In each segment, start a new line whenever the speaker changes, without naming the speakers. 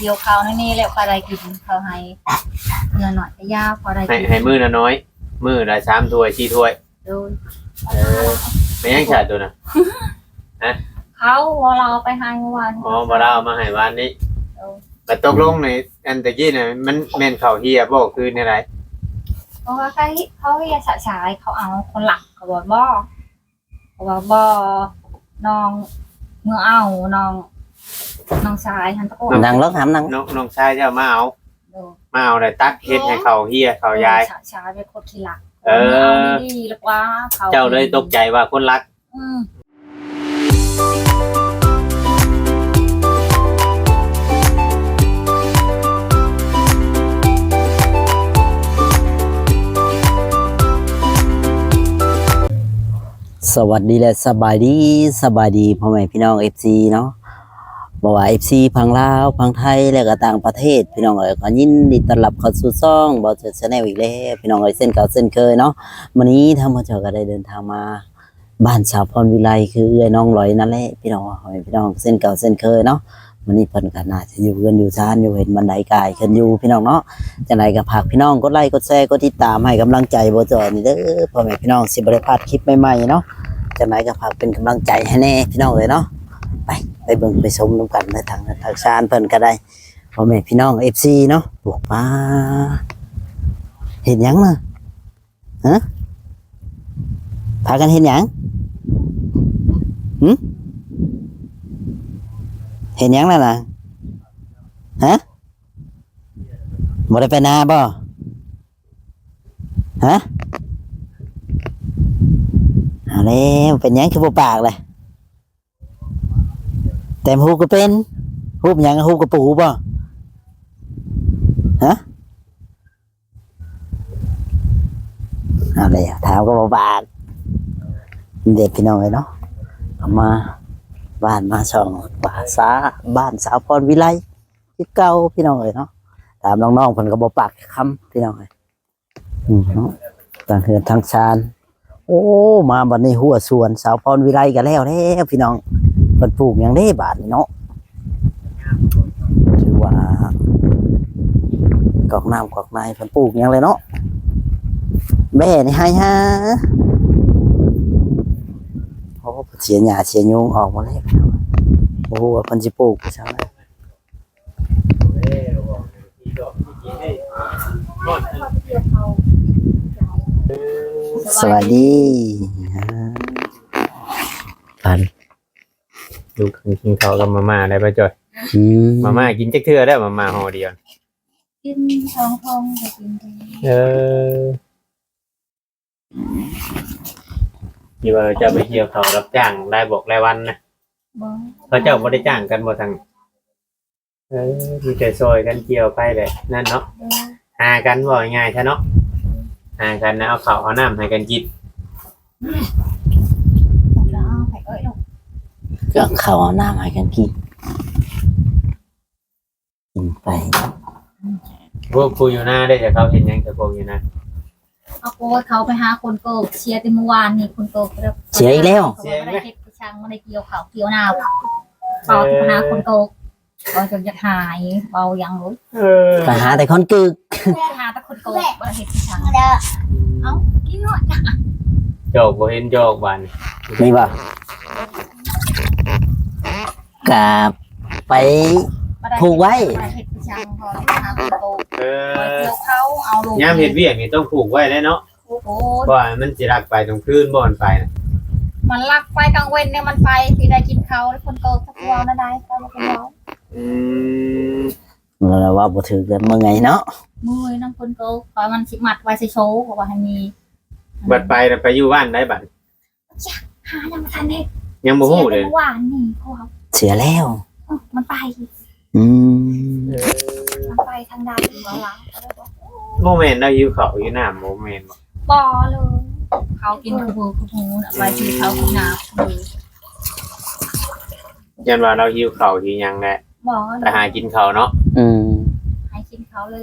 กี่ยวข้าวนี่แล้วพอได้กินข้าวให้เงินหน่อยก็ยาพอได้กิน
ให้มื้อละน้อยมื้อละ3ถ้วย4ถ้วย
โดย
ไม่ยังขาดตัวน่ะ
เขาเราไปให้เมื่อวาน
อ๋อบ่ได้เอามาให้วานนี้แต่ตกลงในอันตะกี้น่ะมันแม่นข้าวเฮียบ่คือในไร
เพราะว่าเขาเฮียฉายเขาเอาคนหลักเขาบอกบ่น้องเมื่อเอาน้องชายหันตะโกน
นั่งรถหำนั่ง
น้องชายเจ้ามาเอาได้ตักเฮ็ดให้ข้าวเฮียข้าวยาย
ชายเป็นคนที่หลักเอาดีๆแล้วว่าเขา
เจ้าเลยตกใจว่าคนรัก
สวัสดีและสบายดีพ่อแม่พี่น้อง FC เนาะบ่ว่า FC พังลาวพังไทยและก็ต่างประเทศพี่น้องเอ๋ยก็ยินดีต้อนรับเข้าสู่ช่องบ่าวเจอ Channel อีกแล้วพี่น้องเอ๋ยเส้นเก่าเส้นเคยเนาะวันนี้ทางบ่าวเจ้าก็ได้เดินทางมาบ้านสาวพรวิไลคือเอื้อยน้องลอยนั่นแหละพี่น้องเส้นเก่าเส้นเคยเนาะวันนี้เพิ่นก็น่าจะอยู่กันอยู่ซ่านอยู่เห็นบันไดกายขึ้นอยู่พี่น้องเนาะจังไดก็ฝากพี่น้องกดไลค์กดแชร์กดติดตามให้กำลังใจบ่าวเจ้านี่เด้อพ่อแม่พี่น้องสิบ่ได้พลาดคลิปใหม่ๆเนาะจังไดก็ฝากเป็นกำลังใจให้แน่พี่น้องเอ้ยเนาะไปเบิ่งไปชมนำกันในทางชานเพิ่นก็ได้พ่อแม่พี่น้อง FC เนาะปลูกปลาเห็นหยังน่ะฮะพากันเห็นหยังเห็นหยังนั่นน่ะฮะบ่ได้ไปนาบ่ฮะเอาแล้วเป็นหยังคือบ่ปากเลยแต่ฮูก็เป็นฮูบหยังฮูกระปูบ่ฮะเอาเลยถามก็บ่ปากเด็กพี่น้องเลยเนาะเอามาบ้านมาช่องบ้านสาวพรวิไลที่เก่าพี่น้องเลยเนาะถามน้องๆเพิ่นก็บ่ปากคำพี่น้องเลยเนาะต่างเฮือนทางชานโอ้มาบัดนี้หัวสวนสาวพรวิไลกันแล้วพี่น้องเพิ่นปลูกหยังได้บาดนี้เนาะถือว่ากอกน้ำกอกในเพิ่นปลูกหยังเลยเนาะแม่นี่ให้ฮะโอ้เสียหญ้าเสียยุงออกมาแล้วโอ้ว่าเพิ่นสิปลูกจังได๋สวัสดีปัน
ดูกินข้าวกับมาม่าได้ป่ะจอยมาม่ากินจักเทื่อได้มาม่าห่อเดียว
กินท้องจะกิน
ที่ว่าจะไปเกี่ยวเขารับจ้างรายบอกรายวันนะเขาเจ้าบ่ได้จ้างกันบ่ทางมีแต่ซอยกันเกี่ยวไปเลยนั่นเนาะหากันบ่ง่ายใช่เนาะหากันนะเอาข้าวเอาน้ำให้กันกิน
ก็เขาเอาน้ำให้กันกินไป
พวกคุยอยู่หน้าได้แต่เขาเห็นยังแต่พวกอยู่นะ
เอาโกเขาไปหาคนโกเชียร์ที่เมื่อวานนี่คนโก
เชียร์อีกแล้ว
เชียร์ไม่ได้เก็บช่างไม่ได้เกี่ยวเขาเกี่ยวนาเขาไปหาคนโกก็จนจะหายเบายังรู้
ก็หาแต่คนกึก
หาแต่คนโกไม่ได้เก็บช่างเอากินหน่อย
โจกบ่เห็นโจกบาน
นี่ป่ะกับไปผูกไว้
ย่ามเห็ดเวียกนี่ต้องผูกไว้แล้วเนาะเพราะมันสิรักไปตรงคืนบ่อนไปนะ
มันรักไปกลางเว้นเนี่ยมันไปที่ได้กินเขาแล้วคนโตสักวันได้ก็มาเป็นเรา
เราว่าบ่ถือกันเมื่อไงเนาะ
มือน้ำคนโตคอยมันสิมัดไว้ใส่โชว์เพราะว่าให้มี
บัดไปอยู่บ้านได้บัด
หายังทันเด็ก
ยังบ่ฮู้เลย
หวานนี่เขา
เสียแล้ว
มันไปมันไปทางใดของเรา
โมเมนต์เราหิวข้าวอยู่น้ำโมเมนต์
บ่เลยเขากินทูไปที่เขากินน้
ำยันว่าเราหิวข้าวที่ยังแหละ
บ่
แต่หากินข้าวเนาะ
ให้กินเขาเลย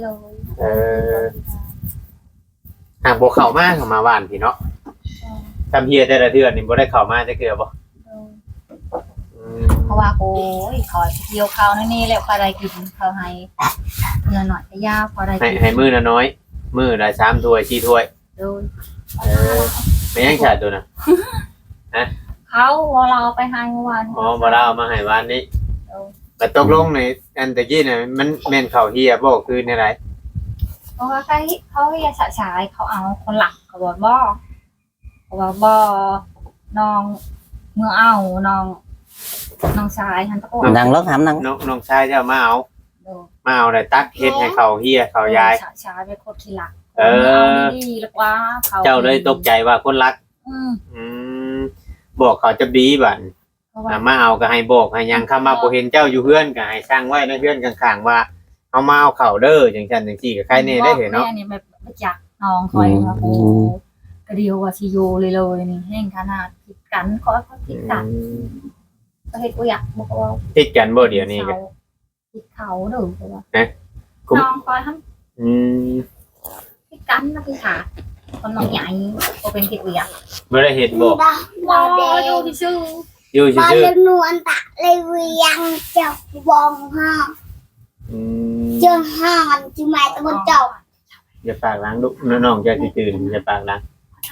หากบ่เข้ามาเข้ามาบ้านพี่เนาะทำเฮียแต่ละเดือนนี่บ่ได้เข้ามาจะเกลือบ่
เขาว่าโอ้ยขอเกี่ยวข้าวนี่แล้วพอได้กินเขาให้เงินหน่อยก็ยากพอได้
ให้
กิน
ให้มื้อละน้อยมื้อละ3ถ้วย4ถ้วย
โดย
ไม่ยังขาดตัวน่ะ
เขาว่าเราไปให้เมื่อวาน
อ๋อบ่ได้เอามาให้วานนี้
โดย
แต่ตกลงในอันตะกี้น่ะมันแม่นข้าวเฮียบ่คือในไร
เพราะว่าเขาอยากฉายเขาเอาคนหลักเขาบอกบ่เขาบอกบ่น้องเมื่อเอาน้องชายฮันตะโก
นั่งรถถามนั่ง
น้องชายเจ้ามาเอา
โดย
มาเอาได้ตักเฮ็ดให้ข้าวเฮียข้าวยาย
ชายเป็นคนขี้หลัก
เออ
เอาดีๆแล้วว่าเขา
เจ้าเลยตกใจว่าคนรัก อืมบอกเขาจะดีบัด
เพราะว่า
มาเอาก็ให้บอกให้ยังคำมาบ่เห็นเจ้าอยู่เฮือนก็ให้สร้างไว้ในเฮือนข้างๆว่าเอามาเอาเข้าเด้อจังซั่นจังซี่ก็ใครแน่ได้เห็นเนาะ
แม่นี่แบบมาจากน้องคอยว่าโอ้กระเดียวว่าสิโยเลยนี่แห้งขนาดผิดกันขอผิดกันก็เฮ็ดกูอยากบอกว่า
ติดกันบ่เดี๋ยวนี้ก็
ผิดเขาเด้อเพราะว่า
คุ้ม
น้องคอยทำ
อืม
ผิดกันนะพี่ขาคนน้องใหญ่ก็เป็นผิดกูอยาก
บ่ได้เฮ็ดบ่
ว้าวอยู่ที่ชื่อ
อยู่
บอล
ซื่อ
เล่นนวลตะเลยเวียงเจ้าบองห้า
ๆอืม
เจ้าห้ามันจิมาตะบนเจ้า
อย่าปากล้างลูกน้องๆจะสิตื่นอย่าปากล้าง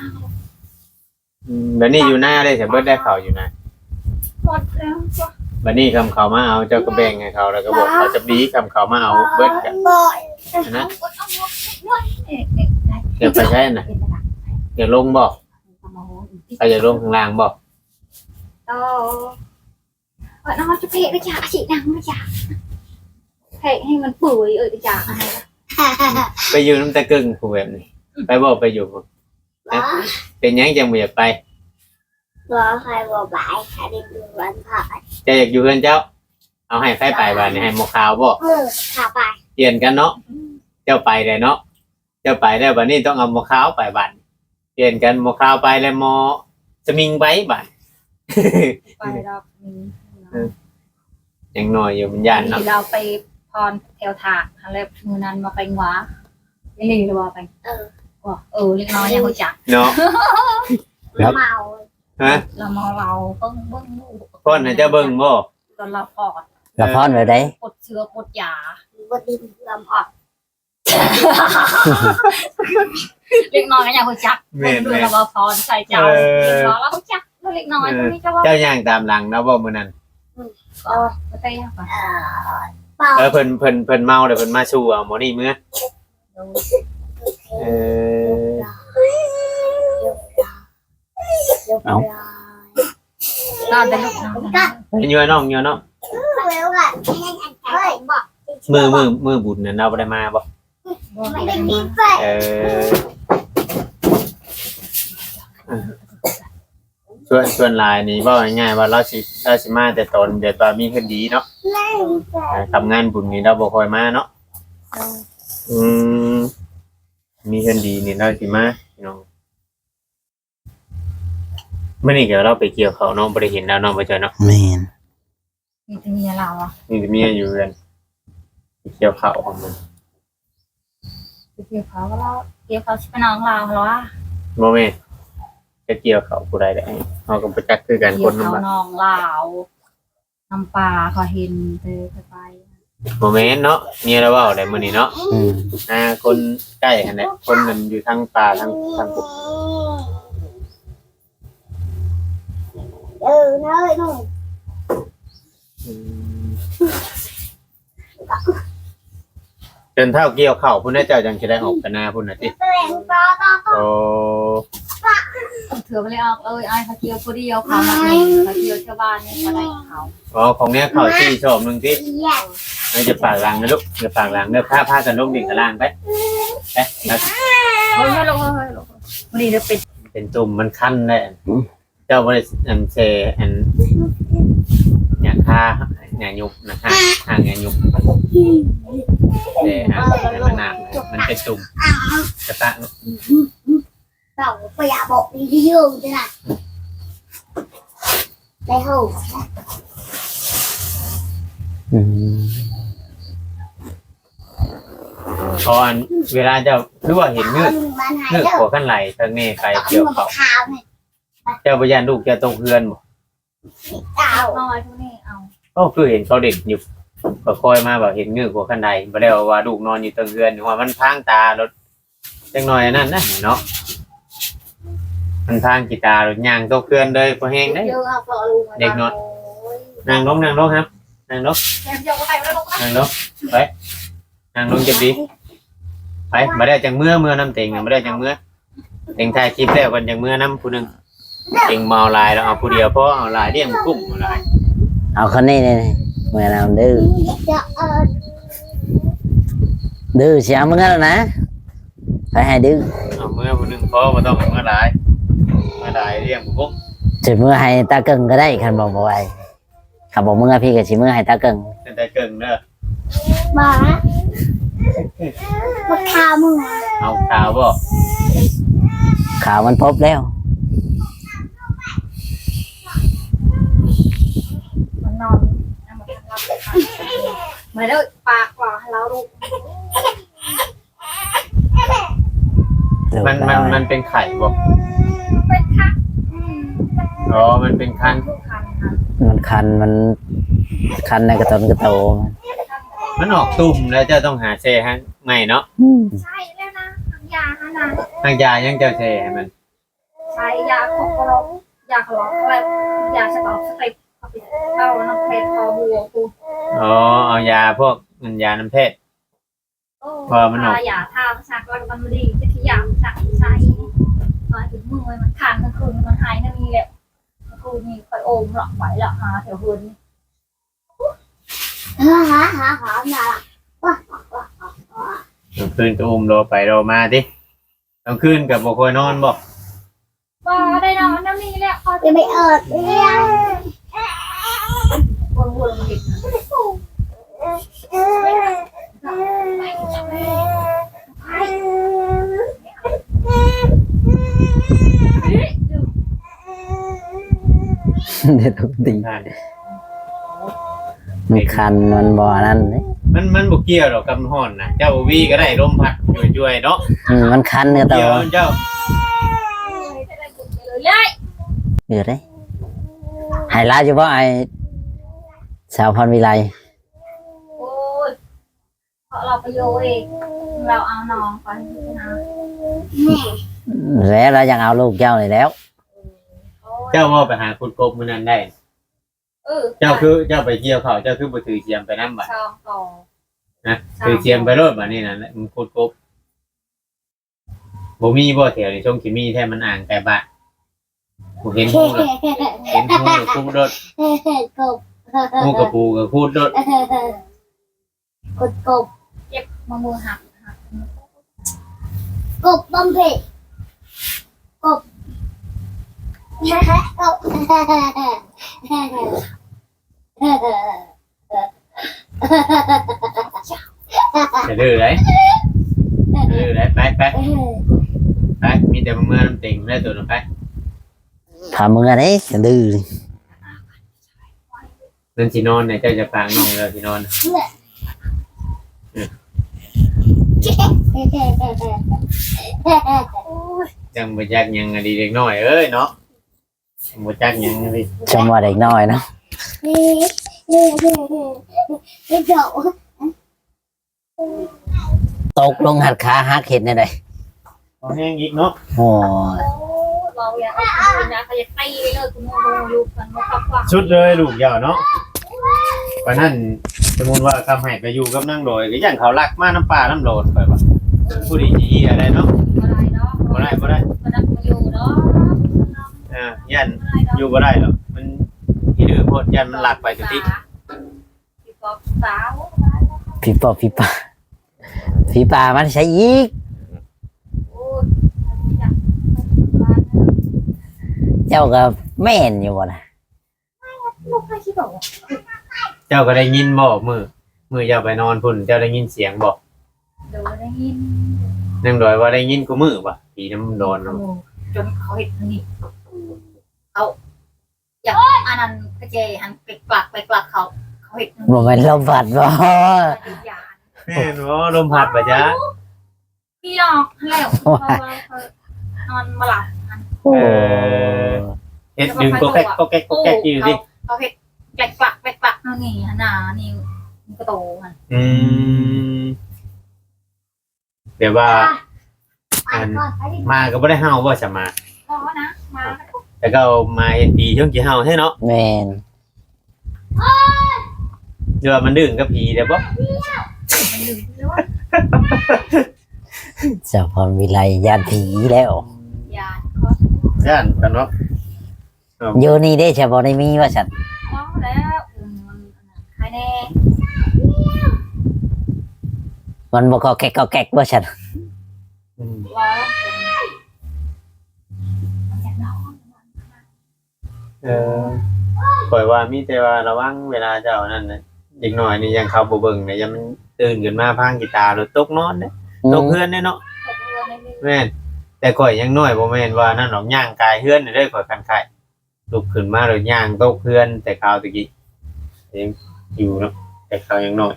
บัดนี้อยู่หน้าได้แต่เบิดได้เข้าอยู่นะ
หมดแล้ว
บัดนี้คำเขามาเอาเจ้าก็แบ่งให้เขาแล้วก็บอกเขาจะดีคำเขามาเอาเบิดกัน
บอย
นะ
ได้
เดี๋ยวไปใช่น่ะเดี๋ยวลงบอกไปอย่าลงข้างล่างบอก
น้องจะเพะไปจ่าchị năngไปจ่าเพะให้มันปุ๋ยไปจ่าอะไร
ไปอยู่น้ำตะกึ่งผู้แบบนี้ไปบอกไปอยู่พุ่นเป็นหยังจังบ่อยากไป
บอใครบอบายใครได้ดูวันผ่า
จะอยากอยู่เพื่อนเจ้า เอาให้ใครไปบ้านนี่ให้หมกขาวบ่
ขาไป
เปลี่ยนกันเนาะเจ้าไปเลยเนาะเจ้าไปได้บัดนี้ต้องเอาหมกขาวไปบ้านเปลี่ยนกันหมกขาวไปแล้วหมอสมิงไปบ้าน
ไปรอบนี้
ยังน้อยอยู่มันย่านเนาะ
เราไปพรแถวถากอะไรมือนั้นมาไปหัวไม่รีหรือว่าไปเล็กน้อยยังรู้จัก
เนาะ
เมา
ฮะ
เรามอเราเบิ้ง
พ่นให้เจ้าเบิ่งบ่
ตอนเราปอด
ละพรไว้ได้
ปดเชื้อปดยา
บดินลำออก
เล็กน้อยยังรู้จัก
แม่น
ดู
แม่
เราพรใส่เจ้าเรารู้จักเล็กน้อยคนนี้จะว่า
เจ้าย่างตามหลังนะบ่มื้อนั้น
ก็ได้ยังไง
เป่า
เพิ่นเมาเดี๋ยวเพิ่นมาสู่เอาหมอนี่มื้อเออ
นอนแต่ลูกนอน
ไปยัวน้องยัวน้อง
เร็วกันเฮ้ยบอก
มือบุญน่ะเราบ่ได้มาบ่
ไม่ได้มีไฟ
เออส่วนลายนี่เว้าง่ายๆว่าเราสิมาแต่ตอนเดี๋ยวตอนมีคดีเนาะ
เล่นไฟ
ทำงานบุญนี่เราบ่ค่อยมาเนาะอืมมีคดีนี่เราสิมาพี่น้องมื้อนี้ก็เราไปเกี่ยวเขาวเนาะบ่ได้เห็นแล้วเนาะบ่เจอเนาะ
แม่น
มีแต่เมียเราอ่ะ
นี่เมียอยู่กันไปเกี่ยวเขาวของมัน
เกี่ยวเขาเราเกี่ยวเขาชิบน้องเราเหรอ
บ่แม่นจะเกี่ยวเขาวผู้ใดได้เฮาก็บ่จักคือกัน
เกี่
ค
ยวน เขา
นำบัด
น้องเราน้ำปลาเขาเห็นเธอไป
บ่แม่นเนาะเมียเราเว้าได้มื้อนี้เนาะ
อืม
คนใกล้หั่นแหละคนมันอยู่ทางป่าทางปุ๊บ
เน้อยนุ่ม
จนเท่าเกี่ยวเข้าวพุ่นน่ะเจ้าจังสิได้ออกกันหน้าพุ่นน่ะติ
แรงต่อ
โอ้
เถื่อไปเลยออกไอ้เขาเกี่ยวคนเดียวเขามาเองเขาเกี่ยวชาวบ้านนี่เขาได้เขา
อ๋อของเนี้ยเข้าวที่ชอบนึงติ
แย่
เราจะปากหลังนะลูกจะปากหลังเด้อพากันลงดิ่งกับล่างไปนะ
เฮ้ยลงวันนี้จะเป็น
เป็นตุ่มมันคันได้เจ้าบ่ได้อันเซอันอย่างค่าอย่างยุบนะฮะห่างอย่างยุบแต่มันหนักมันเป็นตุ่มกระตะ
เป่าไปอยากบอกดีๆอยู่จ้ะได้หู
อืม
พออันเวลาเจ้ารู้ว่าเห็นเงือก
มันหาย
เงือก
เด้อ
หัวขั้นไหลทางนี้ไปเกี่ยวเขา
ขาวเนี่ย
เจ้าพยานลูกจะตกเพื่อนบ่
เต่า
น้อยพวกนี้เอา
ก็คือเห็นเขาเด็กอยู่ก็คอยมาแบบเห็นเงือกหัวขันใดบ่ได้ว่าลูกนอนอยู่เตงเรือนว่ามันพางตารถจังหน่อยนั่นนะเนาะมันพางกีตาร์รถย่างตกเรือนเลยพอแห้งได้
เยอะครับลุง
เด็กนอนนั่งลงครับนั่งลง
แกมเยอะก็ไปแล้วลูก
นั่งลงไปนั่งลงจะดีไปมาได้จังเมื่อน้ำเต็งมาได้จังเมื่อเต็งถ่ายคลิปแล้วกันจังเมื่อน้ำผู้หนึงเต็งเมาลายแล้วเอาผู้เดียวเพราะเอาลายเลี้ยงกุ้งลาย
เอาคนนี้นี่เมื่อเราดื้อ
จะ
ดื้อเสียมึงแล้วนะไปให้ดื้อ
เอาเมื่อผู้หนึงเพราะว่าต้องเมื่อลายเลี้ยงกุ้ง
สิเมื่อให้ตาเกิงก็ได้คันบอกบ่ไหวขับบอกเมื่อพี่ก็สิเมื่อให้ตาเกิง
เป็นแต่เกิงเด้อ
มาทามึง
เอาข่าวบ่
ข่าวมันพบแล้ว
มันนอนมาเด้อปากว่าเราลูก
มันเป็นไข่บ่
เป็นคัก
อ๋อมันเป็นคัน
คันค่ะ
มันคันในกระตนกระโต
มันออกตุ่มแล้วเจ้าต้องหาเซให้ใหม่เนาะ
ใช่แล้วนะทำยาฮะนะ
ทางยายังเจ้าเซให้มัน
ใช้ยาของกรอกยาขลอกอะไรยาฉลอกสเต็ปเอาน้ำเพชรพอบัวกู
อ๋อเอายาพวกมันยาน้ำเพชร พอมันออก
ยาทาชักแล้วมันดีจะขยำชักใช้ตอนถึงมือมันคันทั้งคืนมันหายนั่นนี่แหละกูมีคอยโอมหลอกไหวหลอกมาแถวหุ่น
หาน่ะ
กลางคืนก็อุ้มรอไปรอมาดิกลางคืนกับบ่ค่อยนอนบ่
บ่ได้นอนนั่นนี่แหละพอ
จะไม่เลี้ยง
วนวนมันดิ
เด็ดทุกตี
ท่าน
มันคันมันบ่อนั่นเด้
มันบ่เกี่ยวหรอกกับฮ้อนนะเจ้าวีก็ได้ลมพัดช่วยๆเนาะ
มันคันกระโต
เกี่ยวเจ้า
เลย
เดือดเลยไฮไลท์เฉพาะไอ้สาวพรวิไล
โอ้ยเพราะเราไปโยเองเราเอาน้องไปนะ
แล้วเรายังเอาลูกเจ้าเลยแล้ว
เจ้าว่าไปหาขุดกบมื้อนั้นได้ เจ้าคือเจ้าไปเกี่ยวเขาเจ้าคือบ่ถือเสียมไปนำบัด
ช่องต่อ
นะถือเสียมไปโลดบัดนี้น่ะมันขุดกบบ่มีบ่แถวนี้ช่วงสิมีแท้มันอ่างแต่บะบ่เห็นฮู้เลยเห็นฮู้เลยคูดรถ
กบ
ฮู้กับปูกับคูดรถ
กบ
เจ็บมามือหัก
กบบอมเพกบ
จะดื้อเลยดื้อเลยไปมีแต่เมื่อน้ำติ่งได้ตัวนึงไป
ทำมึงอะไรดื้อ
เรื่องสินอนเนี่ยเจ้าจะปางน้องเลยสินอนจังบ่จักหยังอะดีเด็กน้อยเอ้ยเนาะบ่จักหยังดิ
ชมว่าเด็กน้อยเนาะ
เจ้า
ตกลงหัดขาหักเห็ดในใด
พอแห้งอีกเนาะ
โอ้ย
เราอยากเป็นนะเขาจะตีเลยคุณโมลูกมันมาขับว่า
ชุดเลยลูกเหี่ยวเนาะเพราะนั้นสมมุติว่าคำให้ไปอยู่กับนางโดยก็อย่างเขารักมาน้ำปลาน้ำโดนไปว่าผู้ดีจีอะไรเนาะ
อะไรเนาะ
บ่ได้
มันนักมาอยู่เนาะ
ยันอยู่บ่ได้หรอกมันที่ดื้อโพดยันมันหลักไปทุกที
พี่กอบสาว
ผีปอบผีป่าผีป่ามันใช้อีก
โอ้ยอยาก
เจ้าก็แม่นอยู่บ่นะ
ลูกใครคิดบอก
เจ้าก็ได้ยินบ่มือเจ้าไปนอนพุ่นเจ้าได้ยินเสียงบ่
เดี๋ยวได้ยิน
นางโดยว่าได้ยินกูมือป่ะผีน้ำโดน
จนเขาเห็นนี่เอาอย่างอันนั้นกระเจหันไปกลักเขาเห็น
บ่แม่นลมพัดบ่
ยา
แม่นบ่ลมพัดป่ะจ๊ะ
พี่ลองแล้วนอนมาหลับ
โอ้
เฮ็ดดึงก็แก๊กอยู่ดิ
เขาเห็นแกลกลักแกลกลักนั่นนี่หนานี่มันก็โตมัน
เดี๋ยวว่า
ไปก่อนไปดิ
มาก็บ่ได้เฮาบ่จะมา
พอนะมา
แต่ก็มาเห็นผีช่วงสิเฮาให้เนาะ
แม่น
เดี๋ยวว่ามันดึงกับผีเด้บ่
มันลืมแล้วว่า
เจ้าพรวิไลญาติผีแล้ว
ยานคอ
ย่านกันเนาะ
อยู่นี่ได้เฉพาะในมีว่าฉัน
พอแล้วมันใครแน่
มันบ่ก็แก๊กก็แก๊กว่าฉัน
ว่ามันอยากนอน
ปล่อยว่ามีแต่ว่าระวังเวลาเจ้านั่นน่ะเด็กน้อยนี่ยังเข้าบ่เบิ่งเนี่ยยังมันตื่นขึ้นมาพังกีตาร์หรือตกนอนเด้ตกเฮือนเด้เนาะ
ตกเรือในเรือ
แม่นแต่ข่อยยังน้อยบ่แม่นว่านั่นหรอกย่างกายเฮือนนี่เด้อข่อยคันไข่ลุกขึ้นมาแล้วย่างตกเฮือนแต่คราวตะกี้ยังอยู่เนาะแต่คราวยังน้อย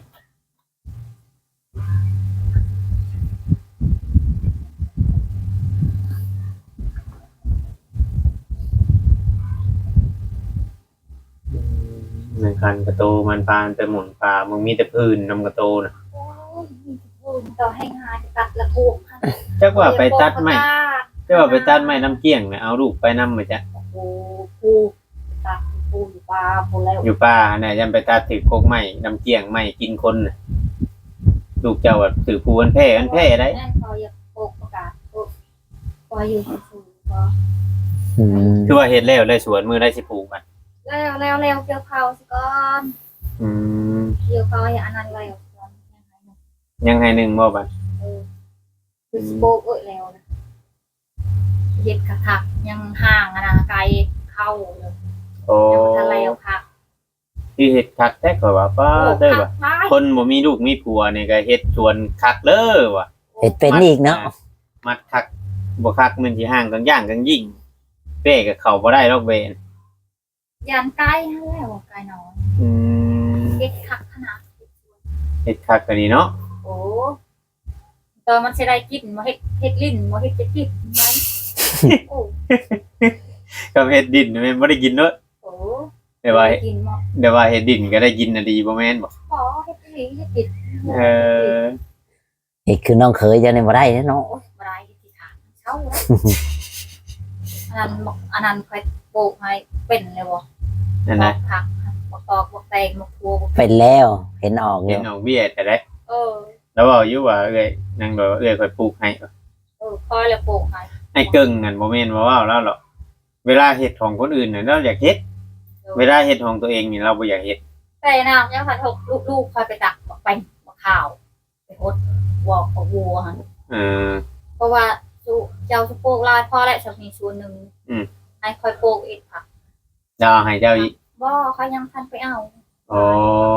ในคันกระโตมันพานแต่หมุนปลามึงมีแต่พื้นนำกระโตน่ะ
โอ้ยต่อให้งานตัดละพวก
จักว่าไปตัดไม้จักว่าไปตัดไม้น้ำเกี้ยงน่ะเอาลูกไปนำมาจ้ะ
โอ้ปูตัดปูอยู่ปลาปูแล้ว
อยู่ป่าเนี่ยยังไปตัดถือกกไม้น้ำเกี้ยงไม้กินคนน่ะลูกเจ้าว่าถือภูอันแพ้ได้
นั่นพออยากโปกประกาศพออยู่สูงพอ
อืม
คือว่าเฮ็ดแล้วเลยสวนมือได้สิปลูกมัน
แล้วเกี่ยวเขาสิก่อน
อืม
เกี่ยวเขาอย่างนั้นแล้วก่อน
ยังให้หนึ่งบ่บัด
คือสโปกแล้วนะเย็ดกระทักยังห่างนะไกลเข้าเลย
โอ้
ยังทะเลค่ะ
ที่เฮ็ดคักแท้ก็ว่าป้าเด้อว่ะคนบ่มีลูกมีผัวนี่ก็เฮ็ดสวนคักเด้อว่ะ
เฮ็ดเป็นอีกเนาะ
มัดคักบ่คักมันสิห่างกันย่างกันยิ่งเป้ก็เข้าบ่ได้ดอกเวน
ยันใกล้แล้วไกลน้อย
อืม
เย็ดคักขนาด
เฮ็ดคักก็ดีเนาะ
โอ้ตอนมันสิได้กินมาเฮ็ดลิ้นมาเฮ็ดจะกินไหมโอ้
ก็เฮ็ดดินแม่นบ่ได้กินเนาะ
โอ้
แต่ว่า
กินมา
เดี๋ยวว่าเฮ็ดดินก็ได้กินน่ะดีบ่แม่นบ่
ขอเฮ็ดลิ้นเฮ็ดกิน
เออ
เฮ็ดคือน้องเคยเจ้านี่บ่ได้เนาะ
โอ้ยบ่ได้ที่ขาเช้าแล้วอันนั้นค่อยโปกให้เป็นเลยบ่
นั่นนะ
ผักบอกตอกบอกแตงบอกทัวบอก
เป็นแล้วเห็นออกอ
เห็
ยู่
นน้องเบี้ยแต่ได้
เออ
แล้วบอกอยู่ว่าเอ้ยนางบอกว่าเอ้ยค่อยปลูกให้
คอยเลยโปกให้
ไอ้เกิ่งนั่นบ่แม่นว่าแล้วหรอกเวลาเฮ็ดของคนอื่นน่ะเราอยากเฮ็ดเวลาเฮ็ดของตัวเองนี่เราบ่อยากเฮ็ด
แต่น้ำยังพันหกลูกคอยไปตักบอกไปบอกข้าวไปหดวอกกับวัวฮะ
เออ
เพราะว่าเจ้าจะโปกลายพ่อและสามีส่วนหนึ่งให้คอยโปกอีกผัก
ดาวให้เจ้าอีก
บ่เขายังทันไปเอา
อ๋อ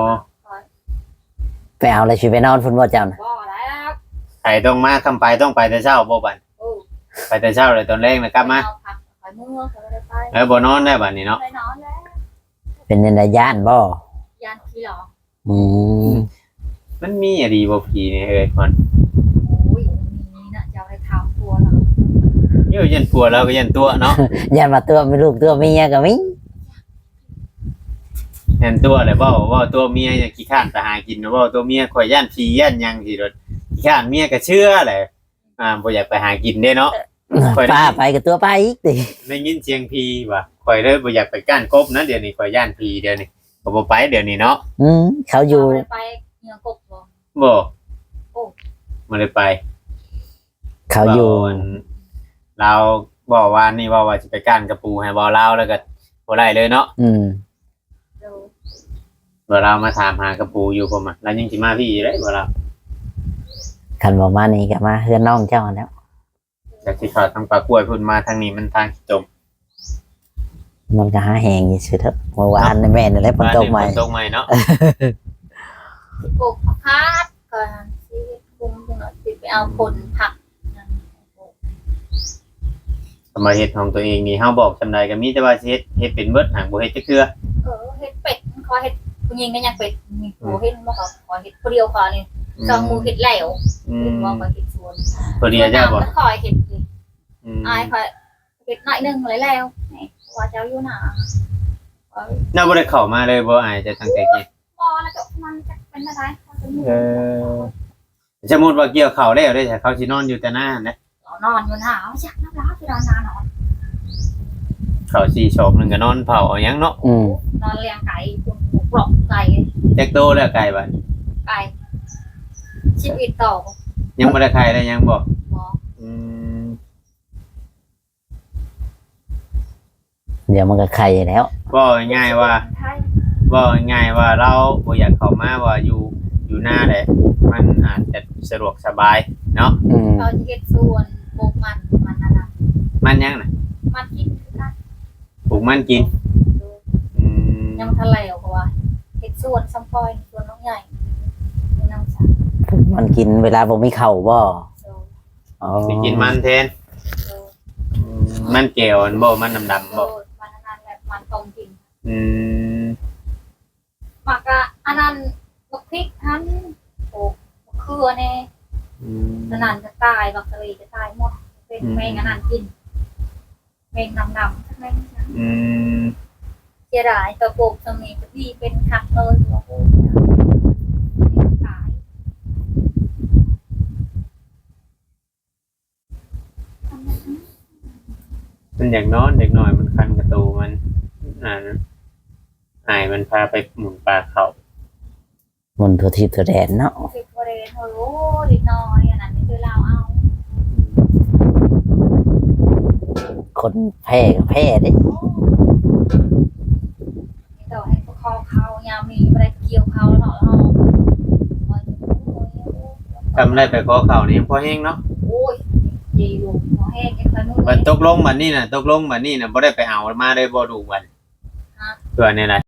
ไปเอาอะไรสิไปนอนพุ่นบ่เจ้าน่ะ
บ่แล้ว
ใครต้องมาคำไปต้องไปแต่เช้าบ่บัด
โอ้
ไปแต่เช้าเลยตอนแรกนะกลับมา
เอาผักคอยเมื่อคอยได้ไป
แล้วบ่นอนได้บัดนี้เนาะ
ไปนอนแล้ว
เป็นในระยานบ่
ยานขี้หรอ
อืม
มันมีอะดีบ่ผีนี่เอ้ยก่อน
โอ้ยมีน่ะเจ้าให้ทำตัวเรา
อยู่ยันผัวเราก็ยันตัวเนาะ
ยันมาตัวมีลูกตัวเมียก็มี
ยันตัวเลยว่าตัวเมียอยากขี้ข้านไปหากินว่าตัวเมียข่อยย่านผีย่านหยังสิรถขี้ข้านเมียก็เชื่อแหละบ่อยากไปหากินเด้เนาะ ไปได้
ป้าไปกับตัวป้าอีกติ
ได้ยินเสียงผีว่ะข่อยเลยบ่อยากไปก้านกบนะเดี๋ยวนี้ข่อยย่านผีเดี๋ยวนี้ก็บ่ไปเดี๋ยวนี้เนาะ
เขาอยู่
ไปเหนือกบบ่
บ่
โอ้
บ่ได้ไป
เขาอยู่
ว่นเราบอกว่านี่ว่าสิไปก้านกระปูให้บ่ลาวแล้วก็บ่ได้เลยเนาะ
อืม
เดี๋ยว
บ่ลาวมาถามหากระปูอยู่ผมอ่ะแล้วยังสิมาพี่อยู่เด้บ่ลาว
คันบ่มานี่ก็มาเฮือนน้องเจ้าแล้ว
จากสิเข้าทางปากกล้วยพุ่นมาทางนี้มันทางจม
มันก็หาแหงอยู่ซื่อเถอะเมื่อวานนี่แม่นี่แหละฝนตกใหม่
ฝนตกใหม่เนาะ
ปลูกผักคาดก่อนสิคุมจังหน่อยสิไปเอาผลผักนั่น
สมาเฮ็ดของตัวเองนี่เฮาบอกจำได้ก็มีแต่ว่าสิเฮ็ดเป็นเบิดหางบ่เฮ็ดจักเทื่อ
เฮ็ดเป็ดขอเฮ็ดผู้หญิงก็ยังเป็ดมีผู้เฮ็ดบ่ครับขอเฮ็ดผู้เดียวขอนี่สองมือเฮ็ดแล้ว
อื
เฮ็ด
ม
บ่ขอเฮ็ดส่วน
ตัวเดียวเจ้าบ่
ขอเฮ็ดอีก
อืม
อายขอเฮ็ดหน่อยนึงเลยแล้วนี่ว่าเจ้าอยู่หน้าขอ
น่าบ่ได้เข้ามาเลยบ่อายจะตั้งแต่กี้
พอแล้วก็มันจะเป็นอะไรเขาจะมี
สมมุติว่าเกี่ยวข้าวแล้วได้แต่เขาสินอนอยู่แต่หน้านะ
นอนอยู่หน้าเอาจักน้ำร้อนที่นอน
ข้าว4ชอบนึงก็นอนเผาเอาหยังเนาะ
นอนเลี้ยงไก่คุณปลอกไก่
แจ็คโตแล้วไก่บัด
ไก่ชีวิตต่อ
ยังบ่ได้ไข่ได้ยังบ่
หมอ
อืม
เดี๋ยวมันก็ไข่แล้ว
บ่ง่ายๆว่า
ไทย
บ่ง่ายๆว่าเราบ่อยากเข้ามาว่าอยู่หน้าแหละมันอาจจะสะดวกสบายเนาะ
เราจะเก็บส่วนปลูกมันนั่นน่ะ
มันยังน่ะ
มันกินคือกัน
ปลูกมันกินอืม
ยังทะเลเพราะว่าเก็บส่วนซัมพอยส่วนน้องใหญ่น้องสาว
มันกินเวลาบ่มีข้าวบ่
โซ
อ๋อ
ไปกินมันแทน
โซ
มันแก้วอันบ่มันดำๆ
โซ
บ่
มันนั่นแหละมันต้มกิน
อืม
หมักอะอันนั้นบักพริกทันโอ้บักเขือเนี่ย
อืม
อันนั้นจะตายบักกะรีจะตายหมดเป็นแมงอันนั้นกินแมงดำๆทั้งแมงนั้น
อืม
เสียดายตัวปลูกตรงนี้ก็ดีเป็นคักเลยตัวปลูกตาย
มันอยากนอนเด็กหน่อยมันคันกระตูมันอายมันพาไปหมุนปลาเขา
หมุนทั่วทิศทั่วแดนเนาะ
สิบประเด็นโอ้โหลิน้อยอันนั้นนี่คือเราเอา
คนแพ้ก็แพ้เด้
นี่ต่อให้คอเขายามมีอะไรเกี่ยวเขาแล้วเนาะ
ทำได้ไปขอเขานี่พอแห้งเนาะ
โอ้ยยีลูกหมอแห้งกันขนุน
มันตกลงบัดนี้น่ะบ่ได้ไปเอามาได้บ่ดูบัดตัวนี้แหละ